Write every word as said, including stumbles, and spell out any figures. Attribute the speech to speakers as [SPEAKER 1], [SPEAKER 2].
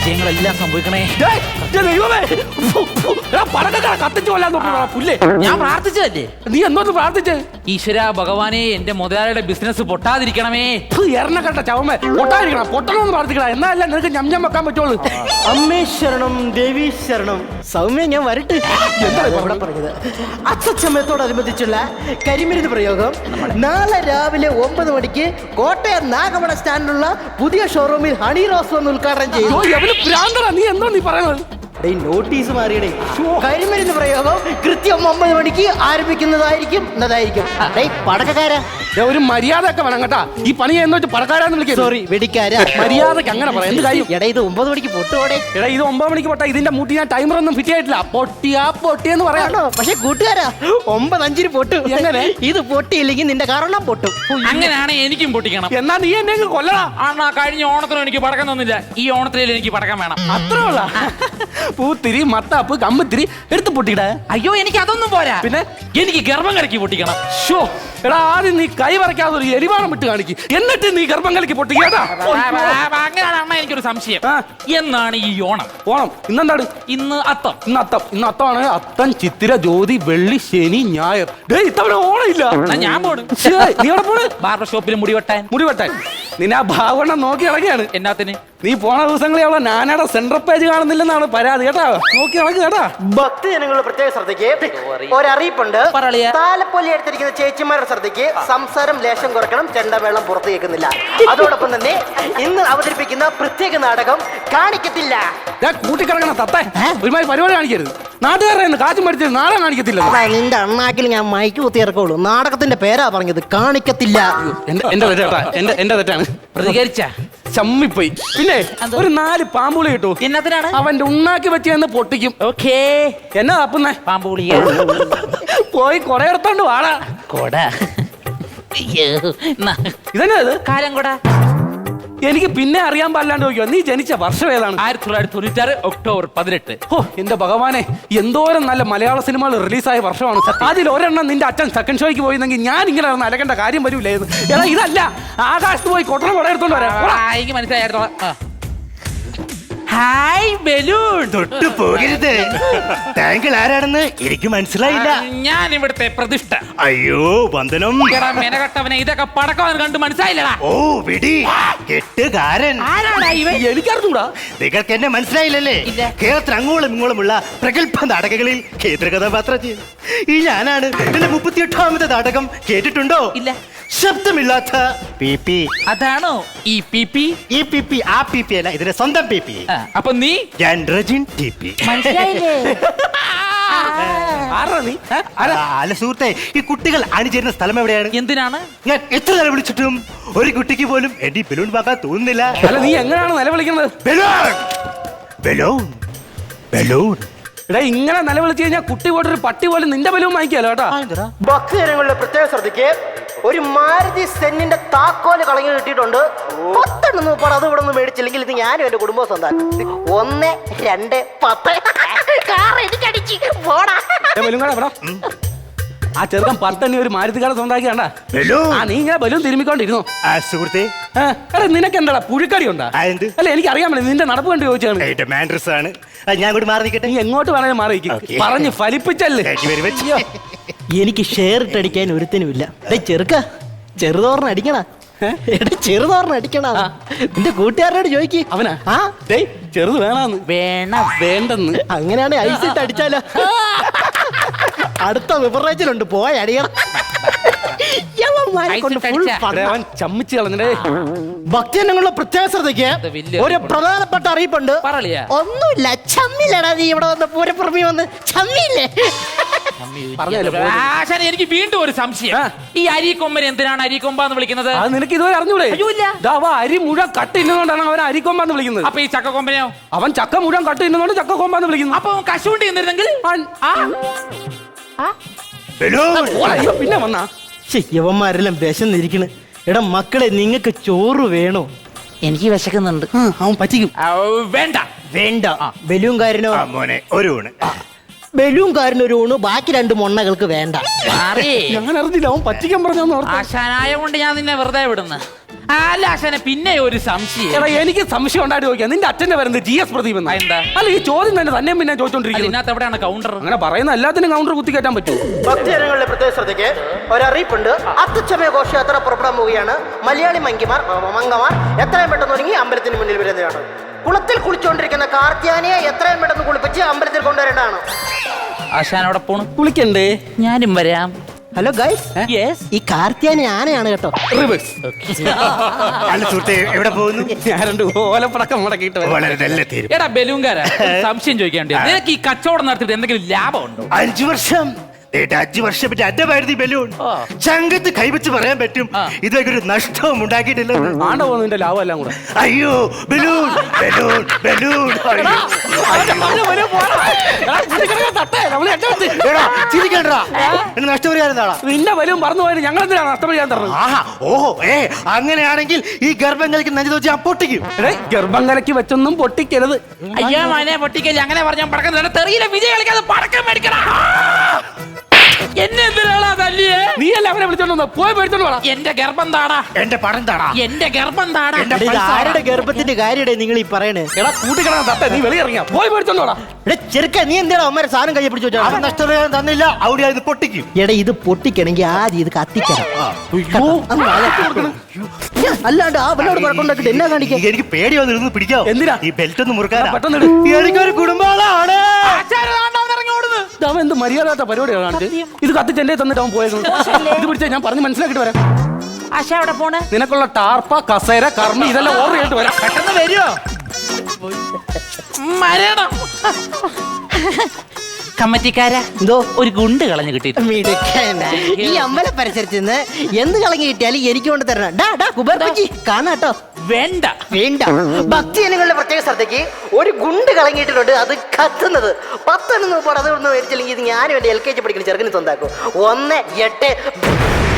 [SPEAKER 1] വിജയങ്ങളെല്ലാം സംഭവിക്കണേ.
[SPEAKER 2] പടക്കട കത്തിച്ചു കൊല്ലാൻ പുല്ലേ.
[SPEAKER 1] ഞാൻ പ്രാർത്ഥിച്ചതല്ലേ?
[SPEAKER 2] നീ എന്തോന്ന് പ്രാർത്ഥിച്ചേ?
[SPEAKER 1] ഈശ്വര ഭഗവാനെ, എന്റെ മുതലാളിയുടെ ബിസിനസ് പൊട്ടാതിരിക്കണമേ.
[SPEAKER 2] എറണക്കട്ട ചവമേ പൊട്ടാതിരിക്കണം, പൊട്ടണമെന്ന് പ്രാർത്ഥിക്കണം. എന്നാലല്ല നിനക്ക് ഞം ഞം വെക്കാൻ പറ്റുള്ളൂ.
[SPEAKER 3] അമ്മേ ശരണം, ദേവി ശരണം. സൗമ്യ, ഞാൻ വരട്ടെ. എന്താ ഇവിടെ പറഞ്ഞത്? അച്ഛച്ചമ്മയത്തോടനുബന്ധിച്ചുള്ള കരിമരുന്ന് പ്രയോഗം നാളെ രാവിലെ ഒമ്പത് മണിക്ക് കോട്ടയം നാഗമണ സ്റ്റാൻഡിലുള്ള പുതിയ ഷോറൂമിൽ ഹണി റോസ് വന്ന് ഉദ്ഘാടനം ചെയ്തു.
[SPEAKER 2] നീ എന്തോ നീ പറയുന്നത്?
[SPEAKER 3] നോട്ടീസ് മാറിയടേ. കരിമരുന്ന് പ്രയോഗം കൃത്യം ഒമ്പത് മണിക്ക് ആരംഭിക്കുന്നതായിരിക്കും. എന്നതായിരിക്കും പടക്കക്കാരാ.
[SPEAKER 2] ഒരു മര്യാദ ഒക്കെ വേണം കേട്ടാ. ഈ പണി എന്ന് വെച്ച് പടക്കാരാന്ന് വിളിക്കുക.
[SPEAKER 3] സോറി, വെടിക്കാരാ.
[SPEAKER 2] മര്യാദക്ക് അങ്ങനെ പറയാം. എന്ത് കാര്യം?
[SPEAKER 3] എടാ, ഇത് ഒമ്പത് മണിക്ക് പൊട്ടോടെ.
[SPEAKER 2] എടാ, ഇത് ഒമ്പത് മണിക്ക് പൊട്ടാ. ഇതിന്റെ മൂട്ടി ഞാൻ ടൈമർ ഒന്നും ഫിറ്റ് ആയിട്ടില്ല. പൊട്ടിയാ പൊട്ടിയെന്ന് പറയാണോ?
[SPEAKER 3] പക്ഷെ കൂട്ടുകാരാ, ഒമ്പത് അഞ്ചിന് പൊട്ടു.
[SPEAKER 2] എങ്ങനെ?
[SPEAKER 3] ഇത് പൊട്ടിയില്ലെങ്കിൽ നിന്റെ കാരണം പൊട്ടും.
[SPEAKER 1] അങ്ങനെയാണെ എനിക്കും പൊട്ടിക്കണം.
[SPEAKER 2] എന്നാ നീ എന്നെ കൊല്ലടാ.
[SPEAKER 1] ആണാ, കഴിഞ്ഞ ഓണത്തിനും എനിക്ക് പടക്കം തന്നില്ല. ഈ ഓണത്തിലും എനിക്ക് പടക്കം വേണം.
[SPEAKER 2] അത്രേ ഉള്ള പൂത്തിരി, മത്താപ്പ്, കമ്പത്തിരി എടുത്ത് പൊട്ടിക്കട.
[SPEAKER 1] അയ്യോ, എനിക്ക് അതൊന്നും പോരാ.
[SPEAKER 2] പിന്നെ
[SPEAKER 1] എനിക്ക് ഗർഭം കലക്കി പൊട്ടിക്കണം.
[SPEAKER 2] ഷോ എടാ, ആദ്യം നീ കൈ വരയ്ക്കാതെ ഒരു എരിവാണം വിട്ട് കാണിക്കും, എന്നിട്ട് നീ ഗർഭം കലക്കി പൊട്ടിക്കാട്ടാ.
[SPEAKER 1] അങ്ങനെയാണ് അണ്ണ, എനിക്കൊരു സംശയം. എന്നാണ് ഈ ഓണം?
[SPEAKER 2] ഓണം ഇന്നെന്താണ്?
[SPEAKER 1] ഇന്ന് അത്തം.
[SPEAKER 2] ഇന്ന് അത്തം. ഇന്ന് അത്തമാണ്. അത്തം, ചിത്തിര, ജ്യോതി, വെള്ളി, ശനി, ഞായർ. ഇത്തവണ ഓണം ഇല്ല.
[SPEAKER 1] ഞാൻ പോണ്.
[SPEAKER 2] നീ എവിടെ പോണ്?
[SPEAKER 1] ബാർബർ ഷോപ്പിൽ മുടി വെട്ടാൻ.
[SPEAKER 2] മുടി വെട്ടാൻ നിന്നെ ആ ഭാവണ്ണം നോക്കി ഇറങ്ങിയാണ്.
[SPEAKER 1] എന്നാത്തിന്?
[SPEAKER 2] നീ പോണ ദിവസങ്ങളിൽ അവളെ നാനയുടെ സെൻട്രൽ പേജ് കാണുന്നില്ലെന്നാണ് പരാതി കേട്ടാ. നോക്കി ഇറങ്ങി കേട്ടാ.
[SPEAKER 3] ഭക്തി ജനങ്ങളുടെ പ്രത്യേക ശ്രദ്ധയ്ക്ക് ഒരറിയിപ്പുണ്ട്. താലപ്പൊലി എടുത്തിരിക്കുന്ന ചേച്ചിമാരുടെ ശ്രദ്ധയ്ക്ക് സംസാരം ലേശം കുറയ്ക്കണം, ചെണ്ടമേളം പുറത്തു കേൾക്കുന്നില്ല. അതോടൊപ്പം തന്നെ ഇന്ന് അവതരിപ്പിക്കുന്ന പ്രത്യേക നാടകം കാണിക്കത്തില്ല.
[SPEAKER 2] കൂട്ടിക്കിറങ്ങണ തത്തേ, ഒരുമാതിരി പരിപാടി കാണിക്കരുത്. നാട്ടുകാരെ കാറ്റും പഠിച്ചത് നാളെ കാണിക്കത്തില്ല.
[SPEAKER 3] നിന്റെ അണ്ണാക്കിൽ ഞാൻ മൈക്ക് കുത്തി ഇറക്കുള്ളൂ. നാടകത്തിന്റെ പേരാ പറഞ്ഞത്, കാണിക്കത്തില്ല.
[SPEAKER 2] എന്റെ തെറ്റാ, എന്റെ എന്റെ തെറ്റാണ്.
[SPEAKER 1] പ്രതികരിച്ച
[SPEAKER 2] ചമ്മിപ്പോയി. പിന്നെ ഒരു നാല് പാമ്പുളി കിട്ടൂ.
[SPEAKER 1] എന്നതിനാണ്?
[SPEAKER 2] അവന്റെ ഉണ്ണാക്കി വെച്ച് പൊട്ടിക്കും.
[SPEAKER 1] ഓക്കേ.
[SPEAKER 2] എന്നാ തപ്പുന്നേ?
[SPEAKER 1] പാമ്പുളി
[SPEAKER 2] പോയി കൊറേ എടുത്തോണ്ട് വാടാ.
[SPEAKER 1] കൊട
[SPEAKER 2] ഇതന്നെ അത്
[SPEAKER 1] കാലം കൊട.
[SPEAKER 2] എനിക്ക് പിന്നെ അറിയാൻ പാടില്ലാണ്ട് നോക്കിയോ, നീ ജനിച്ച വർഷം ഏതാണ്?
[SPEAKER 1] ആയിരത്തി തൊള്ളായിരത്തി തൊണ്ണൂറ്റാറ് ഒക്ടോബർ പതിനെട്ട്.
[SPEAKER 2] ഓ എന്റെ ഭഗവാനെ, എന്തോരം നല്ല മലയാള സിനിമകൾ റിലീസായ വർഷമാണ്. അതിൽ ഒരെണ്ണം നിന്റെ അച്ഛൻ സെക്കൻഡ് ഷോയ്ക്ക് പോയിരുന്നെങ്കിൽ ഞാൻ ഇങ്ങനെ അലക്കേണ്ട കാര്യം വരൂലായിരുന്നു. എടാ, ഇതല്ല ആകാശത്ത് പോയി കൊട്ടണം കൊട എടുത്തോണ്ട് വരാം.
[SPEAKER 1] എനിക്ക് മനസ്സിലായിരുന്നു. Hi balloon.
[SPEAKER 4] തൊട്ടു പോകരുത്. താങ്കൾ ആരാണെന്ന് എനിക്ക് മനസ്സിലായില്ല.
[SPEAKER 1] ഞാൻ ഇവിടുത്തെ പ്രതിഷ്ഠ.
[SPEAKER 4] അയ്യോ വന്ദനം.
[SPEAKER 1] മെനകെട്ടവനെ, ഇതൊക്കെ പടക്കം കണ്ട് മനസ്സിലായില്ലടാ.
[SPEAKER 4] ഓ വിടി, കെട്ടുകാരൻ.
[SPEAKER 2] എനിക്കറിഞ്ഞൂടാ.
[SPEAKER 4] നിങ്ങൾക്ക് എന്നെ മനസ്സിലായില്ലല്ലേ? കേരളത്തിൽ അങ്ങോളം ഇങ്ങോളമുള്ള പ്രഗത്ഭ നാടകങ്ങളിൽ കേന്ദ്രകഥാപാത്രം ചെയ്യുന്നു ഈ ഞാനാണ്. എന്റെ മുപ്പത്തിയെട്ടാമത്തെ നാടകം കേട്ടിട്ടുണ്ടോ?
[SPEAKER 1] ഇല്ല.
[SPEAKER 4] ശബ്ദമില്ലാത്ത പി പി.
[SPEAKER 1] അതാണോ ഈ പി പി?
[SPEAKER 4] ഈ പി പി ആ പി പി അല്ല, ഇതിന്റെ സ്വന്തം പി പി.
[SPEAKER 1] അപ്പൊ നീ?
[SPEAKER 4] ഞാൻ റജിൻ ടി പി. അല്ല സുഹൃത്തെ, ഈ കുട്ടികൾ അണിചേരുന്ന സ്ഥലം എവിടെയാണ്?
[SPEAKER 1] എന്തിനാണ്?
[SPEAKER 4] ഞാൻ എത്ര നില വിളിച്ചിട്ടും ഒരു കുട്ടിക്ക് പോലും എന്റെ ബലൂൺ വാങ്ങാൻ തോന്നുന്നില്ല.
[SPEAKER 2] അല്ല, നീ എങ്ങനെയാണ് നിലവിളിക്കുന്നത്?
[SPEAKER 4] Balloon balloon balloon.
[SPEAKER 2] എടാ, ഇങ്ങനെ നിലവിളിച്ചു കഴിഞ്ഞാൽ കുട്ടി പോയിട്ടൊരു പട്ടി പോലും നിന്റെ ബലൂൺ വാങ്ങിക്കാലോ കേട്ടാ.
[SPEAKER 3] ഭക്തജനങ്ങളുടെ പ്രത്യേക ശ്രദ്ധയ്ക്ക് ഒരു മാരുതി സെന്നിന്റെ താക്കോല് കളഞ്ഞു കിട്ടിയിട്ടുണ്ട്. പത്തെണ്ണം നോപ്പാട് അത് ഇവിടെ നിന്ന് മേടിച്ചില്ലെങ്കിൽ ഇത് ഞാനും എന്റെ കുടുംബം സ്വന്തമാക്കും. ഒന്ന് രണ്ട് പത്ത് കാർ എനിക്കടിച്ച് പോടാ.
[SPEAKER 2] ആ ചെറുക്കൻ പത്തണ്ണി ഒരു മാരുതിക്കാരെ സ്വന്തമാക്കി കണ്ടാ. ആ നീ ഇങ്ങനെ ബലൂൺ തിരുമ്മിക്കൊണ്ടിരുന്നു.
[SPEAKER 4] സുഹൃത്തെ,
[SPEAKER 2] എടാ നിനക്ക് എന്താ പുഴുക്കടി ഉണ്ടാ? അല്ല, എനിക്ക് അറിയാൻ പറ്റില്ല. നിന്റെ നടപ്പ് കണ്ട് ചോദിച്ചാണ്.
[SPEAKER 4] ഞാൻ കൂടി മാറി നിൽക്കട്ടെ.
[SPEAKER 2] നീ എങ്ങോട്ട് വേണേലും മാറി പറഞ്ഞ് ഫലിപ്പിച്ചല്ലേ.
[SPEAKER 3] എനിക്ക് ഷെയർ ഇട്ടടിക്കാൻ ഒരുത്തിനുമില്ല. ചെറുക്ക ചെറുതോറിന് അടിക്കണ. ചെറുതോറിന് അടിക്കണ. നിന്റെ കൂട്ടുകാരനോട് ചോദിക്ക്.
[SPEAKER 2] അവനാ? ആ ചെറുത് വേണമെന്ന്.
[SPEAKER 1] വേണം.
[SPEAKER 2] വേണ്ടെന്ന്.
[SPEAKER 3] അങ്ങനെയാണ് ഐസ് ഇട്ട് അടിച്ചാലോ. അടുത്ത വിപറേച്ചിലുണ്ട്, പോയ അടിയണം.
[SPEAKER 2] ചമ്മിച്ച് കളഞ്ഞേ.
[SPEAKER 3] ഭക്തജനങ്ങളുടെ പ്രത്യേക ശ്രദ്ധയ്ക്ക് ഒരു പ്രധാനപ്പെട്ട അറിയിപ്പുണ്ട്. ഒന്നുമില്ല, ചമ്മില്ലടാ. നീ ഇവിടെ വന്ന് പൂരപ്പുറമി വന്ന് ചമ്മില്ലേ?
[SPEAKER 1] എനിക്ക് വീണ്ടും ഒരു സംശയം. ഈ അരിക്കൊമ്പൻ എന്തിനാണ് അരിക്കൊമ്പാന്ന് വിളിക്കുന്നത്?
[SPEAKER 2] അത് നിനക്ക് ഇതുവരെ അറിഞ്ഞൂടെ? അരി മുഴുവൻ കട്ട് ഇന്നുകൊണ്ടാണ് അവൻ അരിക്കൊമ്പാന്ന് വിളിക്കുന്നത്.
[SPEAKER 1] അപ്പൊ ഈ ചക്കക്കൊമ്പനെയോ?
[SPEAKER 2] അവൻ ചക്ക മുഴുവൻ കട്ട് ഇന്നുകൊണ്ട് ചക്കക്കൊമ്പാന്ന് വിളിക്കുന്നു.
[SPEAKER 1] അപ്പൊ കശുവണ്ടി എന്നിരുന്നെങ്കിൽ
[SPEAKER 2] പിന്നെ വന്നാ
[SPEAKER 3] യവന്മാരെല്ലാം വിശന്നിരിക്കണ്. എടാ മക്കളെ, നിങ്ങൾക്ക് ചോറ് വേണോ?
[SPEAKER 1] എനിക്ക് വിശക്കുന്നുണ്ട്.
[SPEAKER 2] അവൻ പറ്റിക്കും.
[SPEAKER 1] വേണ്ട
[SPEAKER 3] വേണ്ട. ബലൂൺകാരനോ?
[SPEAKER 4] മോനെ ഒരു ഊണ്.
[SPEAKER 3] ബലൂൺകാരന് ഒരു ഊണ്, ബാക്കി രണ്ട് മൊണ്ണകൾക്ക് വേണ്ട.
[SPEAKER 2] ഞാൻ അറിഞ്ഞില്ല, അവൻ പറ്റിക്കാൻ പറഞ്ഞു.
[SPEAKER 1] ആശാനായ കൊണ്ട് ഞാൻ നിന്നെ വെറുതെ വിടുന്നു. അല്ല ആശാനെ പിന്നെ ഒരു സംശയം.
[SPEAKER 2] എടാ എനിക്ക് സംശയം ഉണ്ടായിട്ട് ചോദിക്കാം, നിന്റെ അച്ഛന്റെ വരുന്നത് ജി എസ് പ്രദീപ് എന്നാ?
[SPEAKER 1] എന്താ?
[SPEAKER 2] അല്ല ഈ ചോദ്യം തന്നെ തന്നെ പിന്നെ ചോദിച്ചോണ്ടിരിക്കുന്നത്.
[SPEAKER 1] ഇതിനകത്ത് എവിടെയാണ് കൗണ്ടർ?
[SPEAKER 2] അങ്ങനെ പറയുന്ന എല്ലാത്തിനും കൗണ്ടർ കുത്തി കയറ്റാൻ പറ്റുമോ?
[SPEAKER 3] ഭക്തജനങ്ങളുടെ പ്രത്യേക ശ്രദ്ധയ്ക്ക് ഒരറിയിപ്പുണ്ട്. അത്തച്ചമയ ഘോഷയാത്ര പുറപ്പെടാൻ പോവുകയാണ്. മലയാളി മങ്കിമാർ മങ്കമാർ എത്രയും പെട്ടെന്ന് ഒരുങ്ങി അമ്പലത്തിന് മുന്നിൽ വരുന്നതാണ്. കുളത്തിൽ കുളിച്ചുകൊണ്ടിരിക്കുന്ന കാർത്തിയാനിയെ എത്രയും പെട്ടെന്ന് കുളിപ്പിച്ച് അമ്പലത്തിൽ കൊണ്ടുവരേണ്ടതാണ്.
[SPEAKER 1] ആശാൻ അവിടെ പോണു.
[SPEAKER 2] കുളിക്കണ്ടേ?
[SPEAKER 1] ഞാനും വരാം.
[SPEAKER 3] Hello guys,
[SPEAKER 1] yes.
[SPEAKER 3] ഈ കാർത്തിയാനി ആനയാണ് കേട്ടോ.
[SPEAKER 2] റിവേഴ്സ്.
[SPEAKER 4] അല്ല സുഹൃത്തെ, എവിടെ പോകുന്നു?
[SPEAKER 2] ഞാൻ രണ്ട് ഓലപ്പടക്കം മുടക്കിയിട്ട് വരാം.
[SPEAKER 4] വളരെ നല്ല തീരും.
[SPEAKER 1] എടാ ബലൂങ്കാരാ, സംശയം ചോദിക്കാണ്ട് നിനക്ക് ഈ കച്ചവടം നടത്തിയിട്ട് എന്തെങ്കിലും ലാഭം ഉണ്ടോ?
[SPEAKER 4] അഞ്ചു വർഷം ഏട്ടാ, അഞ്ചു വർഷം പറ്റി അറ്റമായിരുന്നു ഈ ബലൂൺ. ചങ്കത്ത് കൈവച്ച് പറയാൻ പറ്റും, ഇതൊക്കെ ഒരു നഷ്ടവും ഉണ്ടാക്കിയിട്ടില്ല.
[SPEAKER 2] ആണ്ട പോകുന്നു നിന്റെ ലാഭം എല്ലാം കൂടെ.
[SPEAKER 4] അയ്യോ ബലൂൺ ബലൂൺ ബലൂൺ. അയ്യോ. എടാ, ചിരിക്കണ്ടാ. എന്നെ നഷ്ടപരിഹാരം.
[SPEAKER 2] നിന്റെ വരും പറഞ്ഞു പോയത് ഞങ്ങൾ എന്തിനാണ് നഷ്ടപരിഹാരം തരണം?
[SPEAKER 4] ആഹാ, ഓഹോ, ഏ അങ്ങനെയാണെങ്കിൽ ഈ ഗർഭം കളിക്ക് നെഞ്ചു വെച്ച് ഞാൻ പൊട്ടിക്കും.
[SPEAKER 2] ഗർഭം കലക്കി വെച്ചൊന്നും പൊട്ടിക്കരുത്.
[SPEAKER 1] അയ്യോ മോനെ പൊട്ടിക്കല്ലേ, അങ്ങനെ പറഞ്ഞാൽ പടക്കം തെറിയില്ല. വിജയ് കളിക്കാതെ പടക്കം മേടിക്കണം. എന്നെ എന്തിനാണ് തല്ലിയേ?
[SPEAKER 2] നീ അല്ല അവനെ വിളിച്ചോണ്ട് പോയി മേടിച്ചോണ്ട് വേണം.
[SPEAKER 1] എന്റെ ഗർഭം താടാ,
[SPEAKER 4] എന്റെ പടം താടാ,
[SPEAKER 1] എന്റെ ഗർഭം താടാ.
[SPEAKER 3] ഇത് ആരുടെ ഗർഭത്തിന്റെ കാര്യടേ നിങ്ങൾ ഈ പറയണേ?
[SPEAKER 2] എടാ കൂട്ടിക്കിടന്ന തട്ട, നീ വെളിയിറങ്ങിയ പോയി മേടിച്ചോണ്ട് വേണം.
[SPEAKER 3] എടാ ചെറുക്ക, നീ എന്തിനാ അമ്മ സാധനം കൈ പിടിച്ചു
[SPEAKER 4] അവൻ
[SPEAKER 3] വെച്ചാ?
[SPEAKER 4] നഷ്ടപരിഹാരം തന്നില്ല, അവിടെ ഇത് പൊട്ടിക്കും.
[SPEAKER 3] എടാ ഇത് പൊട്ടിക്കണമെങ്കിൽ ആദ്യം ഇത് കത്തിക്കണം.
[SPEAKER 2] അയ്യോ.
[SPEAKER 3] അങ്ങ് വാഴ കൊടുക്കണം. അല്ലാണ്ട് ആ അവനോട് കുഴപ്പമുണ്ടാക്കിട്ട് എന്നാ കാണിക്കാൻ?
[SPEAKER 4] എനിക്ക് പേടി വന്നിരുന്നു പിടിക്കാവോ?
[SPEAKER 2] എന്തിനാ?
[SPEAKER 4] ഈ ബെൽറ്റ് ഒന്ന് മുറുക്കാൻ.
[SPEAKER 2] പെട്ടെന്ന് ഇട്.
[SPEAKER 4] എനിക്കൊരു കുടുംബാളാണ്.
[SPEAKER 2] അവൻ എന്ത് മര്യാദ പരിപാടിയാണ് കാണിച്ചത്? ഇത് കത്തിച്ച് എന്റെ തന്നിട്ട് അവൻ പോയത്. ഇത് പിടിച്ചാ ഞാൻ പറഞ്ഞ് മനസ്സിലാക്കിട്ട് വരാം.
[SPEAKER 1] ആശ അവിടെ പോണേ?
[SPEAKER 2] നിനക്കുള്ള ടാർപ്പ കസേര കർമ്മി ഇതെല്ലാം ഓർഡർ ചെയ്തിട്ട് വരാം.
[SPEAKER 1] പെട്ടെന്ന് വരുമോ? മരണം. കമ്മറ്റിക്കാരാ,
[SPEAKER 3] എന്തോ
[SPEAKER 1] ഒരു ഗുണ്ട് കളഞ്ഞു കിട്ടി.
[SPEAKER 3] മിടുക്കൻ. ഈ അമ്പല പരിസരത്ത് നിന്ന് എന്ത് കളങ്ങി കിട്ടിയാലും എനിക്ക് കൊണ്ട് തരണം. ഡാ ഡാ കുബേർ പറ്റി കാണാട്ടോ.
[SPEAKER 1] വേണ്ട
[SPEAKER 3] വേണ്ട. ഭക്തജനങ്ങളുടെ പ്രത്യേക ശ്രദ്ധയ്ക്ക് ഒരു ഗുണ്ട് കളങ്ങിയിട്ടുണ്ട്, അത് കത്തുന്നത്. പത്തെണ്ണം പോടെ അതൊന്നും മേടിച്ചില്ലെങ്കിൽ ഇത് ഞാനും എന്റെ എൽ കെ ജി പഠിക്കുന്ന ചെറുക്കിന് സ്വന്താക്കും. ഒന്ന് എട്ട്